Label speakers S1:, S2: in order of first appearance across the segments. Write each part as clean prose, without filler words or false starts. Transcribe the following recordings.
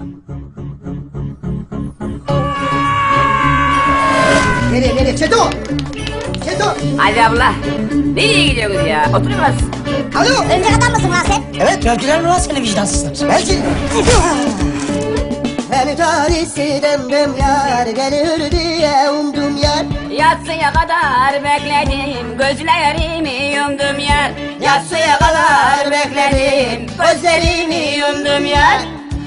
S1: Nereye? Çeto! Çeto!
S2: Hadi abla. Nereye gidiyoruz ya? Oturuyoruz.
S1: Alo!
S3: Örümcek adam mısın lan sen?
S1: Evet, gördüler mi lan seni vicdansızlar? Belki. Beni tarihsi demdim yar, gelir diye umdum yar.
S2: Yatsıya kadar bekledim, gözlerimi yumdum yar.
S1: Yatsıya kadar bekledim, gözlerimi yumdum yar.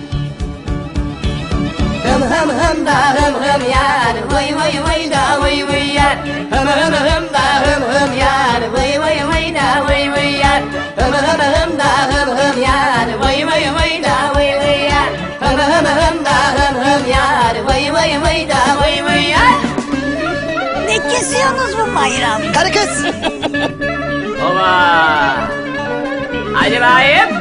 S1: Hım da hım yar, vıy vıy da vıy yar. Hım da hım yar, vıy vıy da vıy yar. Hım da hım yar, vıy vıy da vıy yar. Hım da hım yar, vıy da vıy yar.
S3: Ne kesiyorsunuz bu bayram?
S1: Karı kız!
S2: Baba. Hadi bayım.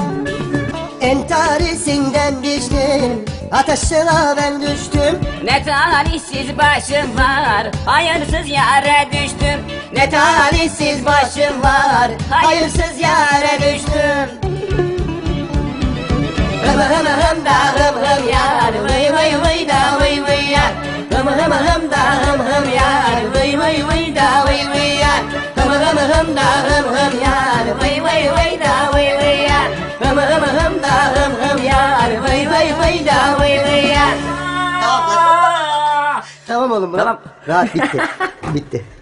S1: Entarisinden düştüm, ateşine ben düştüm.
S2: Ne talihsiz başım var, hayırsız yere düştüm.
S1: Ne talihsiz başım var, hayırsız yere düştüm. Hım da hım yar, vıy da vıy yar. Hım da hım yar, vıy da vıy yar. Hım da hım yar, vıy da vıy yar. Hım da hım yar, vıy da vıy yar. Tamam oğlum,
S2: Tamam.
S1: rahat bitti. Bitti.